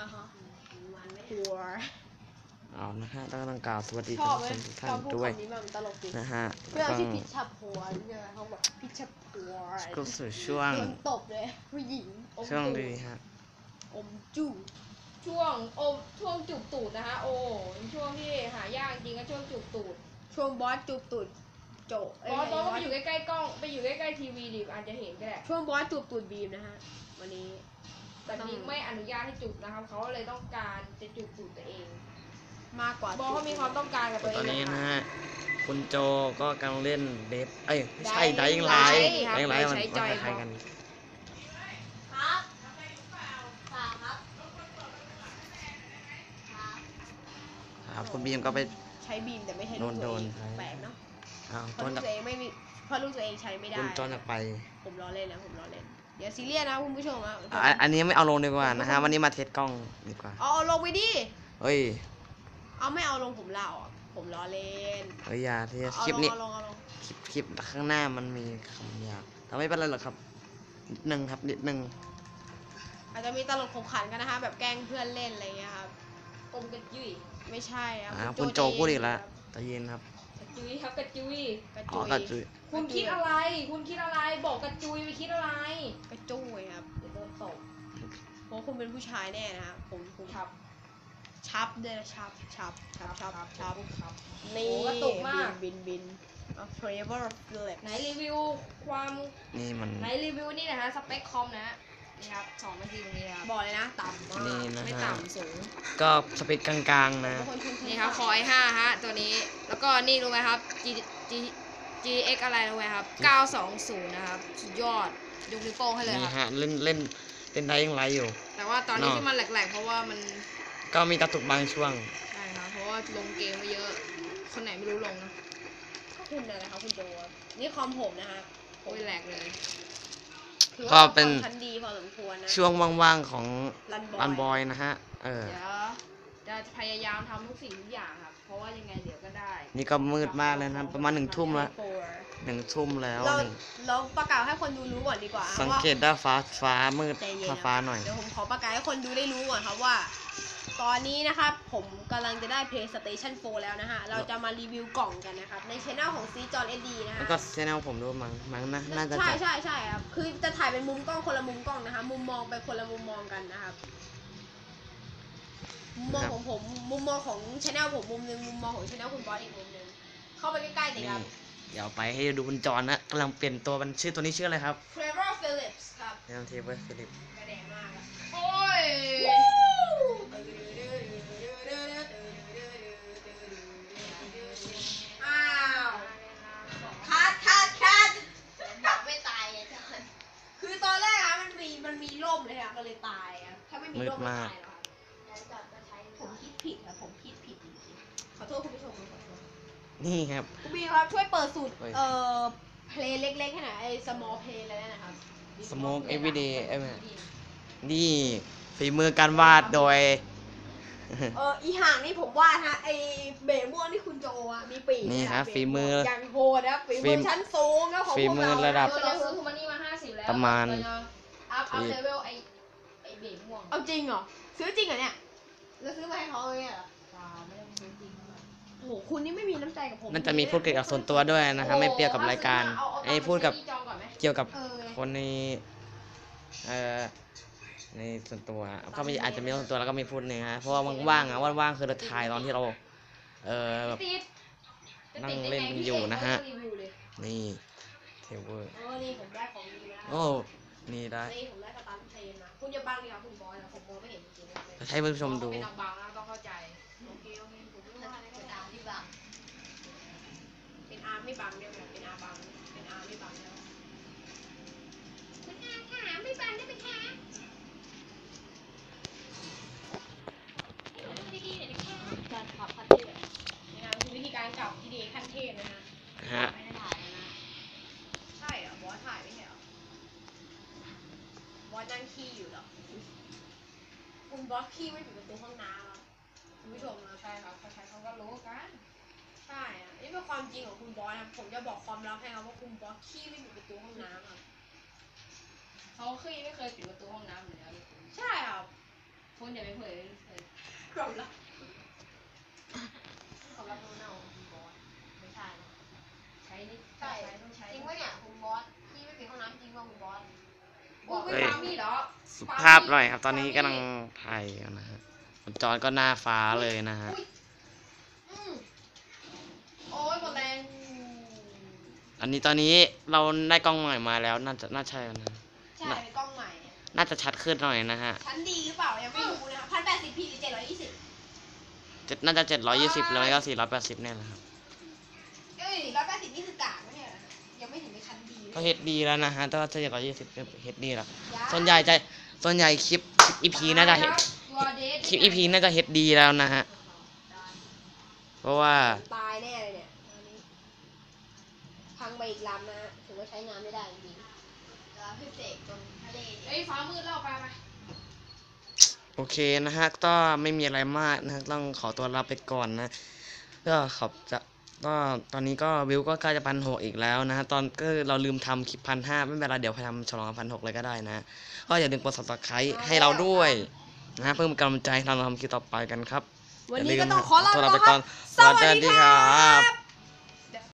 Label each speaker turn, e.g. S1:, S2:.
S1: ฮะหัว
S2: เอานะฮะต้องกล่าวสวัสดี
S1: ชอบ
S2: ท่าน
S1: ไหม
S2: ผู้ชมทุกท่า
S1: ตอน นพูด
S2: ด้วย
S1: คำนี้มันตลกดี
S2: นะฮะ
S1: เวลาที่พิชชับหัวเนี่ยเขาบอกพิชชับหัว
S2: ก็สู่ช่วง
S1: โดนตบเลยผู้หญิงอม
S2: ช่วง
S1: ตูด
S2: ดีฮะ
S1: อมจู้
S3: ช่วงจูบตูดนะคะโอ้ช่วงที่หายากจริงก็ช่วงจูบตูด
S1: ช่วงบอสจูบตูดโจ
S3: บอสก็ไปอยู่ใกล้ๆกล้องไปอยู่ใกล้ๆทีวีดิอาจจะเห็นก็ได้
S1: ช่วงบอสจูบตูดบีมนะฮะวันนี้
S3: แต่บิ๊กไม่อนุญาตให้จูบนะครับเขาเลยต้องการจะจูบตูดตัวเอง
S1: มากกว่า
S3: บอสเขามีความต้องการกับตัวเอ
S2: ตอน
S3: ง
S2: นี้
S3: นะ
S2: นะคะ ฮะคุณโจก็กำลังเล่นเดฟไม่ใช่
S3: Dying
S2: ไดอิงไลท์
S3: Light
S2: ไดอิงไลท์มัน
S3: ใช้
S2: ค
S3: จอย
S2: ล้ายๆกัน
S1: ครับฝากครับ
S2: ครับคุณบีมก็ไป
S1: ใช้บีมแต่ไม่ใช่ลูก
S2: โด
S1: ตัวน เอง
S2: ใช้
S1: แปลกเนาะ
S2: อ้าว
S1: เพ
S2: ต้
S1: ราะ
S2: น
S1: ลูกตัวเองไม่มีเพราะลูกตัวเองใช้ไม่ได้
S2: คุณจอนจะไป
S1: ผมล้อเล่นนะผมล้อเล่นอย่าซีเรียสนะคุณผู้ชมอะ
S2: อันนี้ไม่เอาลงดีกว่านะฮะวันนี้มาเทสกล้องดีกว่า
S1: เอาลงไปดิ
S2: เฮ้ย
S1: เอาไม่เอาลงผมเล่าอ่ะผมล้อเล่น
S2: เฮ้ยอย่าเทส
S1: เอา
S2: คลิป
S1: ลง
S2: นี้
S1: เอาลงเอาลง
S2: คลิปข้างหน้ามันมีคำหยาบแต่ไม่เป็นไรหรอกครับนิดนึงครับนิดนึง
S1: อาจจะมีตลกขบขันกันนะคะแบบแกล้งเพื่อนเล่นอะไรเงี้ยครับ
S3: อมกระจุย
S1: ไม่ใช่ครับ
S2: คุณโจพูดอีกแล้วใจเย็นครับ
S3: กระจุยครับกระจุย
S1: กระ
S2: อ๋
S1: จุ
S2: อย กระจุย
S3: คุณคิดอะไร คุณคิดอะไรบอกกระจุยไปคิดอะไร
S1: กระจุยครับ
S3: เดี๋ยวโดนตบ
S1: เพราะคุณเป็นผู้ชายแน่นะครับผม
S3: ครับ
S1: ชับด้วยนะชับชับ
S3: ครับ
S1: นี่
S3: โอ้กระตุกมาก
S1: บินเอาเทรเวอร์ฟิลิป
S3: ไหนรีวิวความ
S2: นี่มัน
S3: ไหนรีวิวนี่นะฮะสเปคคอมนะฮะนี่ครับ2 นาทีตรงนี้ครับ
S1: บอกเลยนะต่ำมาก
S2: นี่นะ
S3: ไม่
S2: ฮะ
S3: ต่ำสูง
S2: ก็สเปคกลางๆนะ
S1: บางคนชม
S3: นี่ครับคอย5ฮะตัวนี้แล้วก็นี่รู้ไหมครับ GX อะไรรู้ไหมครับ920นะครับสุดยอดยกนิ้วโป้งให้เลย
S2: นี่
S3: ครับ
S2: ฮะเล่นได้ยังไรอยู่
S3: แต่ว่าตอนนี้
S2: เนาะ
S3: ที่มันแหลกๆเพราะว่ามัน
S2: ก็มีกระตุกบางช่วง
S3: ใช่ครับเพราะว่าลงเกมมาเยอะ คนไหนไม่รู้ลงนะ
S1: คุณนะครับคุณโจนี่คอมผมนะฮะ
S3: โอ้ยแหลกเลย
S1: ถือ
S2: ก็
S1: ว่า
S2: เป็น
S1: คอมชั้นดีพอสมควรนะ
S2: ช่วงว่างๆของ
S1: รันบอย
S2: บอยนะฮะเออ
S3: เดี๋ยวจะพยายามทำทุกสิ่งทุกอย่างครับ เพราะว่ายังไงเดี๋ยวก็ได้
S2: นี่ก็มืดมากเลยนะประมาณ1 ทุ่มแล้ว 1 ทุ่มแล้ว
S1: เรา
S2: หนึ่ง
S1: เราประกาศให้คนดูรู้ก่อนดีกว่า
S2: สัง
S1: ว่า
S2: เกตได้ฟ้ามืด
S1: ใจเย็นนะ
S2: ฟ้าหน่อย
S1: เดี๋ยวผมขอประกาศให้คนดูได้รู้ก่อนครับว่า ตอนนี้นะครับผมกำลังจะได้ PlayStation 4 แล้วนะฮะ เราจะมารีวิวกล่องกันนะครับ ในช่องของซีจอนเอ็ดดีนะ
S2: แล้ว
S1: ฮะ
S2: ก็ชแนลผมด้วยมั้งนะน่าจะ
S1: ใช่
S2: จัด
S1: ใช่ครับ คือจะถ่ายเป็นมุมกล้องคนละมุมกล้องนะคะ มุมมองไปคนละมุมมองกันนะครับ มุมมองของผมมุมมองของช่องผมมุมหนึงมุมมองของช่องคุณบอสอีกมุมหนึงเข้าไปใกล้ๆหน่อย
S2: นี่
S1: ครับ
S2: เดี๋ยวไปให้ดูคุณจอนนะกำลังเปลี่ยนตัวมันชื่อตัวนี้ชื่ออะไรครับ
S1: Trevor Phillips ครับ
S2: เนมเทเบิลฟิลิป
S1: กระแดงมากอะ
S3: โอ้ย
S1: อ้าวคัดแบบไม่ตายอะจอนคือตอนแรกอะมันมีร่มเลยอะก็เลยตายอะถ้าไม่มีร่มไม่ตายหรอกครับผมคิดผิดอะผมคิดผิดจริงๆขอโทษคุณผู้ชมขอโทษ
S2: นี่ครับ
S1: คุณบีครับช่วยเปิดสูตร
S2: เฮ้ย
S1: เพลงเล็กๆให้หน่อยไอ้ small play อะไรนั่นนะครับ
S2: Smoke Everyday นี่ฝีมือการวาดโดย
S1: อีห่างนี่ผมว่าฮะไอ้เบ๋ม่วงที่คุณโจอะมีปีก
S2: นี่ครับ
S1: เ
S2: ฝีมือ
S1: อย่างโหดนะฝีมือชั้นสูงนะของ
S2: ฝี
S1: พวก
S2: มือ
S1: เรา
S2: ระดับ
S3: เราซื้อทูมานี่มา50แล้ว
S2: ประมาณ
S3: เรจะอัพเลเวลไอเบ๋ม่วง
S1: เอาจริงเหรอซื้อจริงเหรอเนี่ยแล้วซื้อมาให้เขาเลยเหรอ
S3: ไม่ได้ซื้อจริง
S1: โอ้โหคุณนี่ไม่มีน้ำใจกับผม
S2: นั่นจะมีพูดเกี่ยวกับส่วนตัวด้วยนะครับไม่เกี่ยวกับรายการไอ้พูดกับ
S3: จองก่อนไหม
S2: เกี่ยวกับ
S1: เออ
S2: คนในในส่วนตัวก็มีอาจจะมีส่วนตัวแล้วก็มีพูดเนื้อเพราะว่าว่างๆว่างๆคือเราถ่ายตอนที่เราแบบ
S3: ติด
S2: นั่งเล่นกันอยู่นะฮะ
S3: รีวิวเลย
S2: นี่เทเวอร์
S1: นี่ผมได้ของดีมาแล้ว
S2: โอ้นี่ได้
S1: นี่ผมได้สตันเทรนมาคุณอย่าบังดิครับคุณบอยนะผมมองไม่เห็นจริงๆเลย
S2: ให้ผู้ชมดู
S3: เป็นนางบางนะต้องเข้าใจ
S1: โอเคผมไม่ว่าอะไรก็ตามที่บังเป็นอาร์ไม่บังเดียวกันเป็นอาร์บังเป็นอาร์ไม่บังแล้วเป็นอาร์ค่ะไม่บังได้ไหมคะดีๆหน่อยนะคะการขับคันเทพนะครับคือวิธีการขับที่ดีขั้นเทพนะฮะ
S2: ฮะ
S1: ไม่ได้ถ่ายนะ ใช่เหรอบอสถ่ายไม่ใช่เหรอ บอสนั่งขี้อยู่เหรอ คุณบอสขี้ไม่ปิดประตูห้องน้ำอ่ะคุณผู้ชมนะ
S3: ใช่ครับใครๆเขาก็รู้กัน
S1: ใช่อ่ะนี่เป็นความจริงของคุณบอสนะผมจะบอกความลับให้ครับว่าคุณบอสขี้ไม่ปิดประตูห้องน้ำอ่ะ
S3: เขาเคยไม่เคยปิดประตูห้องน้ำอยู่แล้ว
S1: ใช่ครับ
S3: คุณอย่าไปเผย
S1: ความลับ
S3: ความลับโน้นเอาคุณบอสไม่ใช่นะใช้นี่
S1: ใช่
S3: ต้องใช้
S1: จริงปะเนี่ยคุณบอสที่ไม่ปิดห้องน้ำจริงป่ะคุณบอส
S3: บอกไม่ฟังพี่เหรอ
S2: สุภาพหน่อยครับ ตอนนี้กำลังถ่ายกันนะฮะจอนก็หน้าฟ้าเลยนะฮะ
S1: อุ๊ยอืมโอ้ยหมดแรง
S2: อันนี้ตอนนี้เราได้กล้องใหม่มาแล้วน่าใช่นะ
S1: ใช่เป็นกล้องใหม่เนี่ย
S2: น่าจะชัดขึ้นหน่อยนะฮะ
S1: ชั้นดีหรือเปล่ายังไม่รู้นะคะ1080p หรือ720
S2: น่าจะ720แล้วก็480เนี่ยแหละครับ
S1: เอ้ย180นี่คือกากไม่ใช่เหรอยังไม่ถึงในชั้นดี
S2: ก็ HD แล้วนะฮะแต่ว่า720เป็น HD แล้ว
S1: ยา
S2: ส่วนใหญ่คลิป EP น่าจะ คลิป EP น่าจะ HD แล้วนะฮะ เพราะว่า
S1: ตายแน่เลยเนี่ยตอนนี้พังไปอีกลำนะฮะถือว่าใช้งานไม่ได้จริงๆแล้วพี่เสกตรงทะเล
S3: เฮ้ยฟ้ามืดแล้วไป
S2: โอเคนะฮะก็ไม่มีอะไรมากนะต้องขอตัวลาไปก่อนนะก็ตอนนี้ก็วิวก็ใกล้จะ1,600อีกแล้วนะฮะตอนก็เราลืมทำคลิป1,500ไม่เป็นไรเดี๋ยวพยายามฉลอง1,600เลยก็ได้นะก็อย่าลืมกด subscribe ให้เราด้วยนะฮะเพิ่มกำลังใจให้เราทำคลิปต่อไปกันครับ
S1: วันนี้ก็ต้องขอลา
S2: ตัว
S1: ไป
S2: ลาไป
S1: ก่
S2: ก่
S1: อ
S2: อน น
S1: สวัสดีครับ